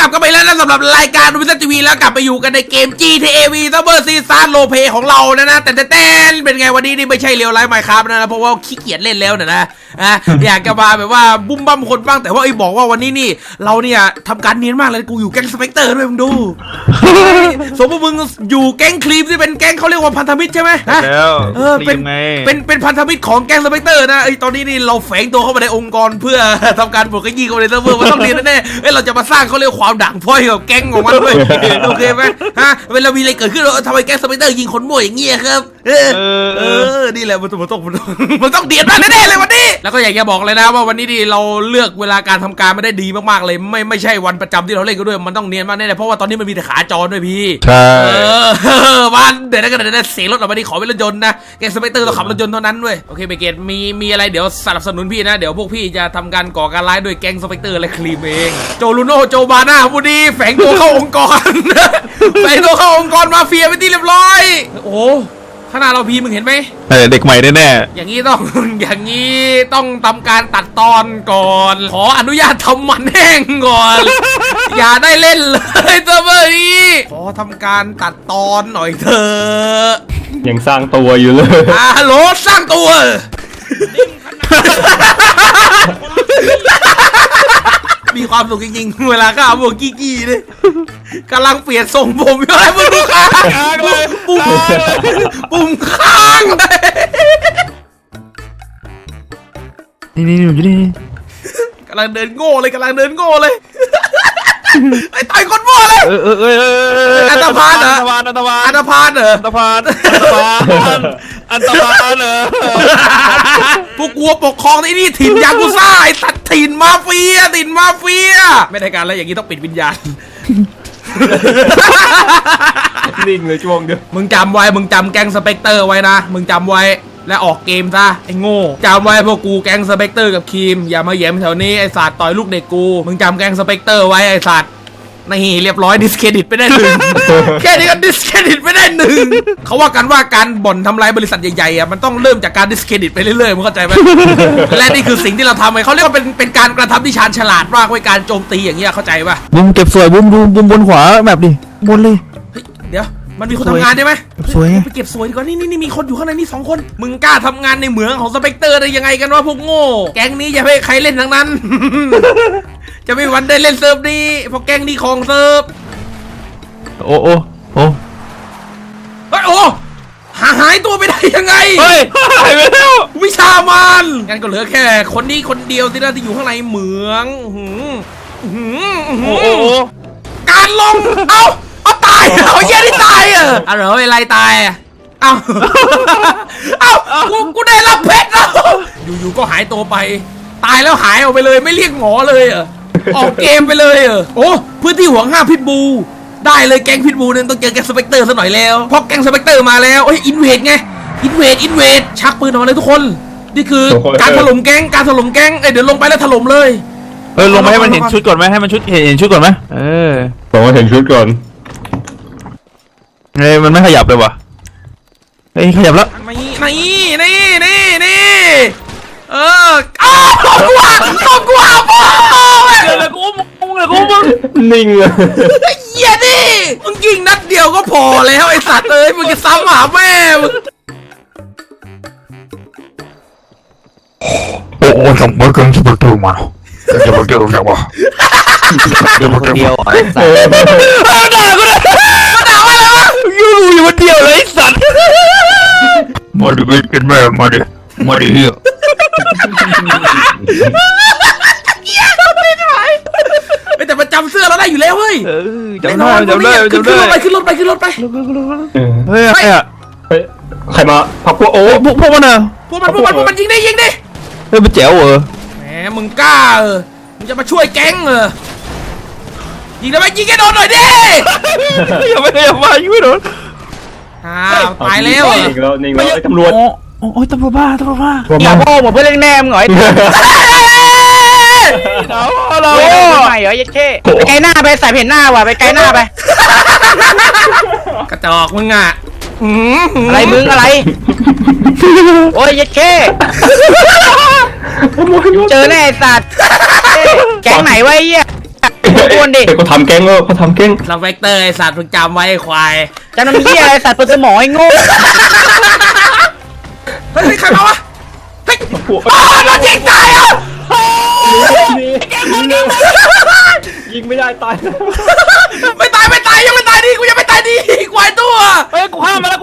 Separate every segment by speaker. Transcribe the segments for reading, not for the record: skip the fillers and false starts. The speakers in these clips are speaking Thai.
Speaker 1: กลับกันไปแล้วนะสำหรับรายการดูวิทยทีวีแล้วกลับไปอยู่กันในเกม GTA V Summer Season โลเพของเรานะแต่เป็นไงวันนี้นี่ไม่ใช่เรียวไลฟ์ไมค์ครับนะเพราะว่าขี้เกียจเล่นแล้วนะอยากจะมาแบบว่าบุ้มบั้มคนบ้างแต่ว่าไอ้บอกว่าวันนี้นี่เราเนี่ยทำการเนียนมากเลยกูอยู่แก๊งสเปกเตอร์ด้วยมึงดูสมมติมึงอยู่แก๊งครีมที่เป็นแก๊งเขาเรียกว่าพันธมิตรใช่ไหม
Speaker 2: แล้ว
Speaker 1: เป็นพันธมิตรของแก๊งสเปกเตอร์นะไอ้ตอนนี้นี่เราแฝงตัวเข้ามาในองค์กรเพื่อทำการปลดขยี้เข้าไปในเซิร์ฟเวอร์มันต้องเรียนแน่ๆเราจะมาสร้างเขาเรียกความด่างพร้อยกับแก๊งของมันด้วยโอเคไหมเวลามีอะไรเกิดขึ้นเราทำไมแก๊งสเปกเตอร์ยิงคนมั่วอย่างเงี้ยครับนี่แหละมันต้องเดียดมากแน่ๆเลยวันนี้แล้วก็อยากจะบอกเลยนะว่าวันนี้ดิเราเลือกเวลาการทำการไม่ได้ดีมากๆเลยไม่ใช่วันประจำที่เราเล่นกันด้วยมันต้องเนียนมากแน่ๆเพราะว่าตอนนี้มันมีแต่ขาจรด้วยพี่
Speaker 2: ใช่
Speaker 1: บ้านเดี๋ยวนะเสียงรถออกมาดิขอเป็นรถยนต์นะแกสเปกเตอร์เราขับรถยนต์เท่านั้นด้วยโอเคเบเกตมีอะไรเดี๋ยวสนับสนุนพี่นะเดี๋ยวพวกพี่จะทำการก่อการร้ายด้วยแก๊งสเปกเตอร์และครีมเองโจลูโน่โจบาน่าผู้ดีแฝงตัวเข้าองค์กรแฝงตัวเข้าองค์กรมาเฟียไปที่เรียบร้อยโอ้ขนาดเราพีมึงเห็นไหม
Speaker 2: เด็กใหม่แน่
Speaker 1: อย่างนี้ต้องทำการตัดตอนก่อนขออนุญาตทำมันแห้งก่อน อย่าได้เล่นเลยเซอร์ฟเวอร์นี้ขอทำการตัดตอนหน่อยเถอะ
Speaker 2: ยังสร้างตัวอยู่เลย
Speaker 1: ฮัลโหลสร้างตัวมีความสุขจริงๆเวลาข้าวพวกกี้เลยกำลังเปลี่ยนทรงผมอยู่อะไรมึงดูค้างเลยปุ่มค้างเลย
Speaker 2: นี่อยู่นี่
Speaker 1: กำลังเดินโง่เลยไอ้ต่อยคนมั่วเลยอันตรพานเหรออันตรพานเหรอพวกกลัวปกครองที่นี่ถิ่นยากุซ่าไอ้ตัดถิ่นมาเฟียไม่ได้การแล้วอย่างนี้ต้องปิดวิญญาณ
Speaker 2: นิ่งเลยช่วงเดียว
Speaker 1: มึงจำไว้มึงจำแก๊งสเปกเตอร์ไว้นะมึงจำไว้และออกเกมซะไอ้โง่จำไว้พวกกูแก๊งสเปกเตอร์กับครีมอย่ามาแย้มแถวนี้ไอ้สัตว์ต่อยลูกเด็กกูมึงจำแก๊งสเปกเตอร์ไว้ไอ้สัตว์นี่เรียบร้อยดิสเครดิตไปได้1แค่นี้ก็ดิสเครดิตไปได้1เขาว่ากันว่าการบ่อนทำลายบริษัทใหญ่ๆอ่ะมันต้องเริ่มจากการดิสเครดิตไปเรื่อยๆมึงเข้าใจไหม และนี่คือสิ่งที่เราทำไงเขาเรียกว่าเป็นการกระทำที่ชาญฉลาดมากไว้การโจมตีอย่างเงี้ยเข้าใจป่ะ
Speaker 2: บุ้มเก็บสวยบุ้มดูบุ้มบนขวาแบบดิบนเลย
Speaker 1: เดี๋ยวมันมีคนทำงานใช่ไหม
Speaker 2: สวย
Speaker 1: ไปเก็บสวยดีกว่านี่มีคนอยู่ข้างในนี่2 คนมึงกล้าทำงานในเหมืองของสเปกเตอร์ได้ยังไงกันวะพวกโง่แก๊งนี้อย่าให้ใครเล่นทั้งนั้น จะไม่วันได้เล่นเซิร์ฟนี้เพราะแก๊งนี้ของเซิร์ฟ
Speaker 2: โอ้
Speaker 1: หายตัวไปได้ยังไง
Speaker 2: เฮ้ยหายไปแล้ว
Speaker 1: วิชามันงั้นก็เหลือแค่คนนี้คนเดียวที่น่าจะอยู่ข้างในเหมืองการลงเอาตายเขาแย่ที่ตายเหรออะไรตายเอากูได้รับเพชรแล้วอยู่ก็หายตัวไปตายแล้วหายออกไปเลยไม่เรียกหมอเลยออกเกมไปเลยโอ้พื้นที่ห่วงห้ามพิษบูได้เลยแก๊งพิษบูเนี่ยต้องเจอแก๊งสเปกเตอร์ซะหน่อยแล้วเพราะแก๊งสเปกเตอร์มาแล้วอินเวดไงอินเวดชักปืนออกมาเลยทุกคนนี่คือการถล่มแก๊งเดี๋ยวลงไปแล้วถล่มเลย
Speaker 2: ลงไปให้มันเห็นชุดก่อนไหมให้มันเห็นชุดก่อนไหมผมว่าเห็นชุดก่อนมันไม่ขยับเลยวะขยับแล้ว
Speaker 1: นี่ต้องกลัวพ่อเลยกู
Speaker 2: นิ่งเลย
Speaker 1: เหี้ยดิมึงยิงนัดเดียวก็พอแล้วไอ้สัตว์เอ้ยมึงจะซ้ำหาแม่มึง
Speaker 2: โอ้ทำไมกันจะประตูมาจะประตูจะวะ
Speaker 3: เดียวไอ้สัตว์
Speaker 1: ด่าว่าอะไรวะ
Speaker 2: อยู่คนเดียวเลยไอ้สัตว์มาดิเป็นแม่มาดิเหี้ย
Speaker 1: แต่ประจำเสื้อเราได้อยู่แล้วเฮ้ย
Speaker 2: จำได้
Speaker 1: ขึ้นรถไป
Speaker 2: เฮ้ยใครมาพักพวกพวกมันอ่ะ
Speaker 1: พวกมันยิงดิ
Speaker 2: เฮ้ยมันแจ๋ว
Speaker 1: แหมมึงกล้ามึงจะมาช่วยแก๊งยิงได้ไหมยิงให้โดนหน่อยดิ
Speaker 2: อย่ามายิงไม่โดน
Speaker 1: ตายแล้ว
Speaker 2: นิ่งแล้วตำรวจโอ้ยตำรวจบ้า
Speaker 3: อย่าพ่อหมดเพื่อนเล่นแนมหน่อยเราใหม่เหรอยัดเข้ไปไกลหน้าไปใส่เห็นหน้าว่ะไปไกลหน้าไป
Speaker 1: กระจอกมึง
Speaker 3: อะไรมึงอะไรโอ้ยยัดเข้เจอแน่สัตว์แก๊งไหนวะไอ้เหี้ยโอนดิ
Speaker 2: เฮ้ยเขาทำแก๊งเขาทำแก๊ง
Speaker 1: สเปกเตอร์ไอ้สัตว์มึงจำไว้ไอ้ควาย
Speaker 3: จะน้ำเหี้ยอะไรสัตว์เปิดสมองไอ้โง่
Speaker 1: เฮ้ยใครมาวะเฮ้ยโดนยิงตายอ่ะ
Speaker 4: ยิงไม่ได้ตาย
Speaker 1: ไม่ตายยังไม่ตายดิกูยังไม่ตายดิควายตัว
Speaker 3: เฮ้ยกูฆ่ามาแล้ว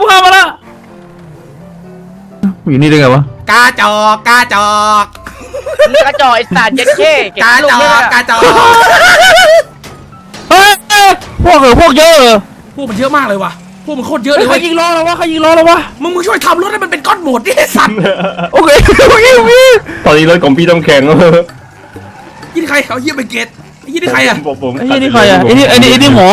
Speaker 2: อยู่นี่ได้ไงวะ
Speaker 1: กาจอก
Speaker 3: มึงกระจอกไอ้สัตว์เย็ดเข้เก็บ
Speaker 1: กา
Speaker 3: ลู
Speaker 1: จ
Speaker 3: ก
Speaker 1: อ
Speaker 3: เย
Speaker 1: ก
Speaker 3: อะ
Speaker 2: เฮ้ยพวกเยอะ
Speaker 1: พวกมันเยอะมากเลยว่ะพวกมันโคตรเยอะเลย
Speaker 3: ใคร
Speaker 1: เว้ย
Speaker 3: ยิงล้อแล้ววะ
Speaker 1: มึงช่วยทำรถให้มันเป็นก้อนหมดดิไอ้สัตว์
Speaker 2: โอเคตอนนี้รถของพี่ต้องแข่ง
Speaker 1: ยี่นี่ใครเอาเยี่ยไปเกตไอ้ยี่นี่ใครอ่ะ
Speaker 4: ผม
Speaker 2: ไอ้นี่ใครอ่ะไอ้นี่หมอ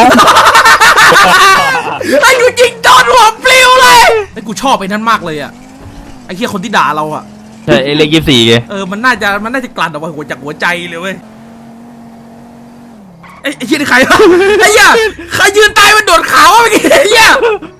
Speaker 1: ไอ้กูยิงโดนหัวปลิวเลยไอ้กูชอบไอ้นั่นมากเลยอ่ะไอ้เหี้ยคนที่ด่าเราอ่ะ
Speaker 2: ใช่ไอ้เลข24ไง
Speaker 1: มันน่าจะกลั่นออกมาจากหัวใจเลยเว้ยไอ้เหี้ยนี่ใครอะไอ้เหี้ยใครยืนตายมันโดดขาวเมื่อกี้ไอ้เหี้ย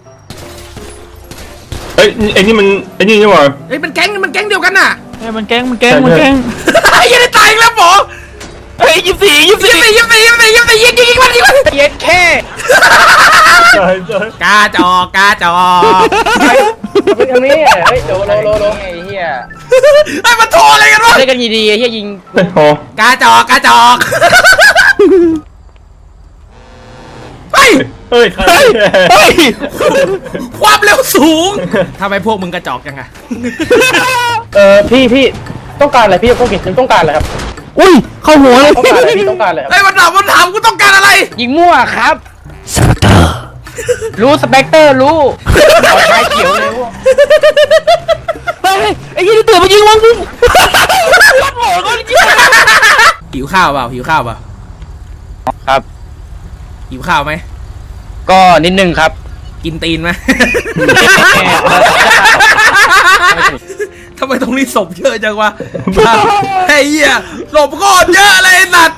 Speaker 2: เฮ้ยไอ้นี่มันไอ้นี่นี่หว่า
Speaker 1: เฮ้ยมันแก๊งเดียวกันน่ะ
Speaker 3: มันแกล้ง
Speaker 1: ไอ้เหี้ยนี่ตายอีกแล้วหมอ
Speaker 3: เฮ้ย24
Speaker 1: ยิงมันยิงมัน
Speaker 3: เย็ดเข้
Speaker 4: ใช่
Speaker 1: กาจอกาจอ
Speaker 3: ทางนี้เฮ้ยโดไอ้เหี้ย
Speaker 1: ไอ้มันโทรอะไรกันวะ
Speaker 3: เล่นกันดีๆไอ้เหี้ยยิง
Speaker 2: เฮ้ยพอก
Speaker 1: าจอกเฮ้ย
Speaker 4: เฮ้ยใคร
Speaker 1: ความเร็วสูงทำไมพวกมึงกระจอกยังไง
Speaker 3: พี่ต้องการอะไรพี่ต้องเก็บต้องการอะไรครับ
Speaker 2: อุ้ยเข้าหัวเลย
Speaker 3: ต้องการอะไรพี่ต้องการอะไรครับ
Speaker 1: ไอ้มันถามกูต้องการอะไร
Speaker 3: ยิงมั่วครับสเปกเตอร์รู้สเปกเตอร์รู้เอาชายเขียวเลยพวก
Speaker 2: ไอ้ยี่นี่ตื่นมายิงวังกู
Speaker 1: หิวข้าวเปล่า
Speaker 3: ครับ
Speaker 1: หิวข้าวไหม
Speaker 3: ก็นิดนึงครับ
Speaker 1: กินตีนไหมทำไมตรงนี้ศพเยอะจังวะไอ้เหี้ยศพโคตรเยอะเลยไอ้สัตว์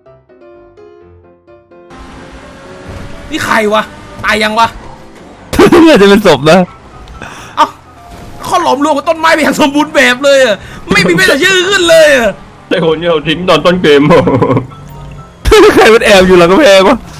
Speaker 1: นี่ใครวะตายยังวะ
Speaker 2: น่าจะเป็นศพนะ
Speaker 1: เอ้าเขาหลอมรวมกับต้นไม้ไปอย่างสมบูรณ์แบบเลยอะไม่มีแม้แต่ชื่อขึ้นเลยอะ
Speaker 2: ไอ้คนเนี่ยทิ้งตอนต้นเกมใครมันแอบอยู่หลังกำแพงวะ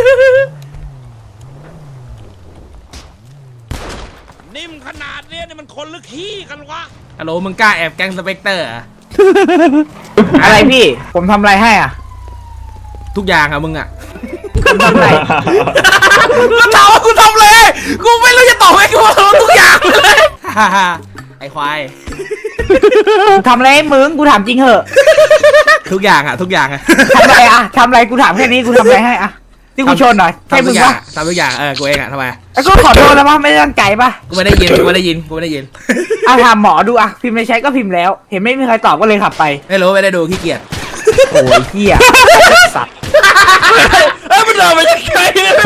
Speaker 1: นิ่มขนาดนี้นี่มันคนหรือขี้กันวะฮัลโหลมึงกล้าแอบแก๊งสเปกเตอร์อะ
Speaker 3: อะไรพี่ ผมทำอะไรให้อ่ะ
Speaker 1: ทุกอย่างอะมึงอะ
Speaker 3: ผมทำอะไร
Speaker 1: แล้วถามว่ากูทำเลยกูไม่รู้จะตอบไงกูทำทุกอย่างเลยไอ้ควาย
Speaker 3: ทำอะไรให้มึงกูถามจริงเหอะ
Speaker 1: ทุกอย่างอะทุกอย่างอะ
Speaker 3: ทำอะไรอ่ะทำอะไรกูถามแค่นี้กูทำอะไรให้อ่ะที่กูชนหน่อยใช่มึงปะ
Speaker 1: ทำทุกอย่างกูเองอะทำไม
Speaker 3: ไอ้กูขอโทษแล้วมั้ไม่ได้ตั้งใจปะ
Speaker 1: กูไม่ได้ยิน
Speaker 3: เอาถามหมอดูอ่ะพิมพ์ในแชทก็พิมพ์แล้ว เห็นไม่มีใครตอบก็เลยขับไป
Speaker 1: ไม่รู้ไม่ได้ดูขี้เกียจ
Speaker 3: โอ้ยเหี้ยสัตว์
Speaker 1: มันเดินมาจากไกลเลย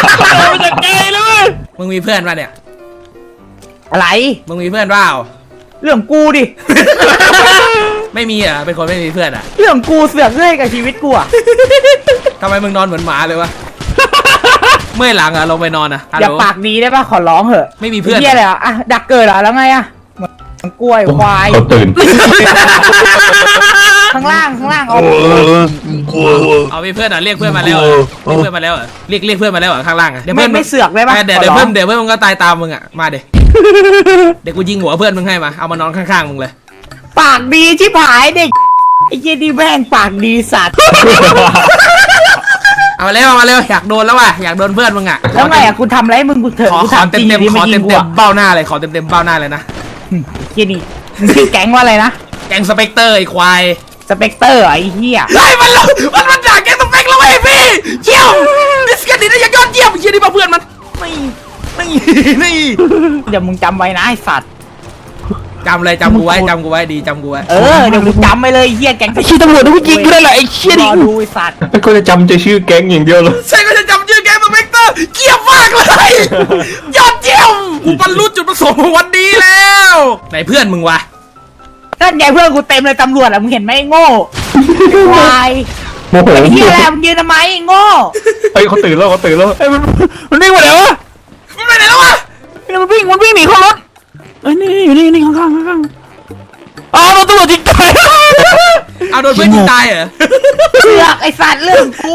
Speaker 1: มึงมีเพื่อนป่ะเนี่ย
Speaker 3: อะไร
Speaker 1: มึงมีเพื่อนเปล่า
Speaker 3: เรื่องกูดิ
Speaker 1: ไม่มีอ่ะเป็นคนไม่มีเพื่อนอ่ะ
Speaker 3: เรื่องกูเสือกเรื่อยกับชีวิตกูอ่ะ
Speaker 1: ทำไมมึงนอนเหมือนหมาเลยวะเมื่อยหลังอ่ะลงไปนอนอ่ะฮัล
Speaker 3: อย่า
Speaker 1: โหล
Speaker 3: ปากดีได้ปะขอร้องเหอะ
Speaker 1: ไม่มีเพื่อน
Speaker 3: เหี้ยอะไรอ่ะดักเกิดเหรอแล้วไงอ่ะเหมือนกล้วยควาย
Speaker 2: เขาตื่น
Speaker 3: ข้างล่างเอา
Speaker 1: เอามีเพื่อนอ่ะเรียกเพื่อนมาแล้วเรียกเพื่อนมาแล้วเรียกเพื่อนมาแล้วข้างล่างอ่ะเดี๋ยว
Speaker 3: ไม่
Speaker 1: เพื่อน
Speaker 3: ไม่เสือกได้ปะ
Speaker 1: เดี๋ยวเพื่อนมึงก็ตายตามมึงอ่ะมาเดี๋ยวกูยิงหัวเพื่อนมึงให้มาเอามานอนข้างๆมึงเลย
Speaker 3: ปากดีชิบหายเด็กไอ้เจดีแม่งปากดีสัตว์
Speaker 1: เอามาเร็วอยากโดนแล้วว่ะอยากโดนเพื่อนมึงอ่ะ
Speaker 3: แล้วไงอ่ะกูทำอะไรให้มึงกูเถอะ
Speaker 1: ขอ
Speaker 3: กูถามจริง
Speaker 1: เต็ม
Speaker 3: ที่
Speaker 1: ขอ
Speaker 3: ไม่ยิ
Speaker 1: เต็
Speaker 3: ง
Speaker 1: ม
Speaker 3: กูอ่ะ
Speaker 1: เบ้าหน้าเลยขอเต็มเบ้าหน้าเลยนะ
Speaker 3: เฮียนี่มึงชื่อแก๊งว่าอะไรนะ
Speaker 1: แกงสเปกเตอร์ไอ้ควาย
Speaker 3: สเปกเตอร์ไอ้เหี้ย
Speaker 1: ไล่มันด่าแกงสเปกแล้วไอ้พี่เชี่ยวดิสกันดีนะยังยอดเยี่ยมเชี่ยนี่มาเพื่อนมันนี่
Speaker 3: เดี๋ยวมึงจำไว้นะไอ้สัตว์
Speaker 1: จำกูไว้ดีจำกูไว้
Speaker 3: เดี๋ยวมึงจำไว้เลยไอ้เหี้ยแก๊ง
Speaker 2: ไอ้ชี้ตำรวจกูยิงกูได้แหละไอ้เชี่ย
Speaker 3: ร
Speaker 2: ดิ
Speaker 3: อดูไอ้สัตว์
Speaker 2: ก็จะจำใจชื่อแก๊งอย่างเดียวเลย
Speaker 1: ใช่ก็จะจำชื่อแกงสเปกเตอร์เกลียดมากเลยยอดเยี่ยมกูบรรลุจุดประสงค์ของวันนี้แล้วไหนเพื่อนมึงวะ
Speaker 3: นั่นไงเพื่อนกูเต็มเลยตำรวจอ่ะมึงเห็นไหมไอ้โง่ควาย
Speaker 2: โมโห
Speaker 3: ไอ้เหี้ยอะไรมึงยืนทำไมไอ้โง่
Speaker 2: เฮ้ยเขาตื่นแล้วเฮ้ยมันวิ่งมาแล้ววะ
Speaker 1: มันไปไหนแล้ววะ
Speaker 2: มันวิ่งหนีเข้ารถเอ้ยนี่อยู่นี่ข้างอ๋อโดนตำรวจยิงตาย
Speaker 1: เอาโดนเพื่อนยิงตายเหรอ
Speaker 3: เสือกไอสัตว์เรื่องกู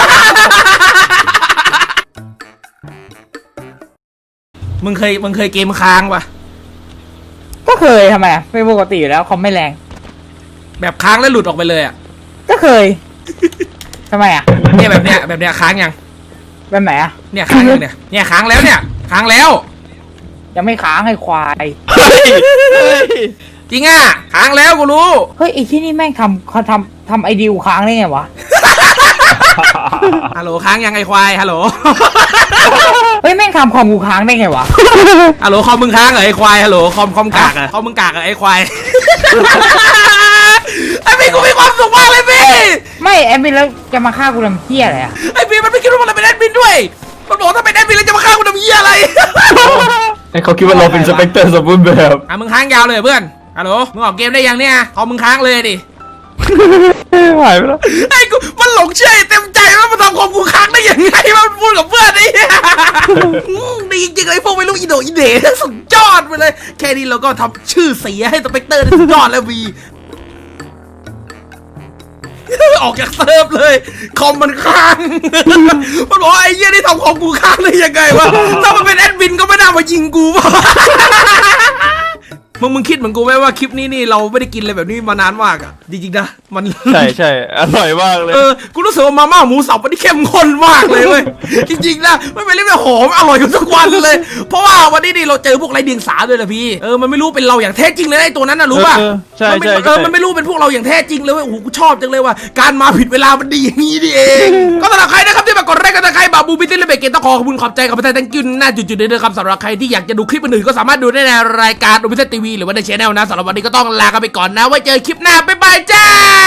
Speaker 1: มึงเคยเกมค้างปะ
Speaker 3: ก็เคยทำไมอะเป็นปกติอยู่แล้วคอมไม่แรง
Speaker 1: แบบค้างแล้วหลุดออกไปเลยอ่ะ
Speaker 3: ก็เคยทำไมอะ
Speaker 1: เนี่ยแบบเนี้ยค้างยัง
Speaker 3: แบบไหนอะ
Speaker 1: เนี่ยค้างยังเนี่ยค้างแล้วเนี่ยค้างแล้ว
Speaker 3: ยังไม่ค้างให้ควาย
Speaker 1: จริงอ่ะค้างแล้วกูรู้
Speaker 3: เฮ้ยไอที่นี่แม่งทำไอเดียค้างได้ไงวะ
Speaker 1: ฮัลโหลค้างยังไอควายฮัลโหล
Speaker 3: เฮ้ยแม่งทำคอมกูค้างได้ไงวะ
Speaker 1: ฮัลโหลคอมมึงค้างเหรอไอควายฮัลโหลคอมกากเหรอคอมมึงกากเหรอไอควาย ไอพี่กูมีความสุขมากเลยพี่
Speaker 3: ไม่แอดมินแล้วจะมาฆ่ากูทำเหี้ยอะไรอะ
Speaker 1: ไอพี่มันไม่คิดว่ามันเป็นแอดมินด้วยมันบอกถ้าเป็นแอดมินแล้วจะมาฆ่ากูทำเหี้ยอะไร
Speaker 2: ให้เขาคิดว่าเราเป็นสเปกเตอร์สมบูรณ์แบบ
Speaker 1: อ่ะมึงค้างยาวเลยเพื่อนฮัลโหลมึงออกเกมได้ยังเนี่ยคอมมึงค้างเลยดิ
Speaker 2: หายไปแล้ว
Speaker 1: ไอ้กูมันหลงเชื่อเต็มใจว่ามันทำคอมกูค้างได้ยังไงมันพูดกับเพื่อนไอ้เหี้ยดีจริงๆเลยพวกไม่รู้อีโดอีเดสุดยอดไปเลยแค่นี้เราก็ทำชื่อเสียให้สเปกเตอร์ได้สุดยอดแล้ววี ออกจากเซิร์ฟเลยคอมมันค้าง มันบอกว่าไอ้เหี้ยนี่ทำคอมกูค้างได้ยังไงวะถ้ามันเป็นแอดมินก็ไม่น่ามายิงกูป่ะ มึงคิดเหมือนกูไหมว่าคลิปนี้นี่เราไม่ได้กินอะไรแบบนี้มานานมากอ่ะจริงๆนะมัน
Speaker 2: ใช่อร่อยมากเลย
Speaker 1: กูรู้สึกว่ามาม่าหมูสับวันนี้เข้มข้นมากเลยเว้ย จริงๆนะไม่เป็นเรื่องแบบหอมอร่อยกันทุกวันเลย เพราะว่าวันนี้นี่เราเจอพวกไรเดียงสาด้วยนะพี่มันไม่รู้เป็นเราอย่างแท้จริงเลยไอ้ตัวนั้นนะรู้ป่ะ
Speaker 2: ใช่
Speaker 1: มันไม่รู้เป็นพวกเราอย่างแท้จริงเลยเว้ยโอ้โหกูชอบจังเลยว่าการมาผิดเวลามันดีอย่างนี้นี่เอง ก็สำหรับใครนะครับที่มากดไลค์กันนะใครบาบูบิตี้และเบเกตต้องขอขอบคุณขอบใจกับประเทศตังกินหน้าจุดๆนี้ด้วยครับสำหรับใครที่อยากจะดูคลิปอื่นๆก็สามารถดูได้ในรายการโอบิเซทีวีหรือว่าในช่องหรือว่าใน channel นะสำหรับวันนี้ก็ต้องลากันไปก่อนนะไว้เจอคลิปหน้าบ๊ายบายจ้า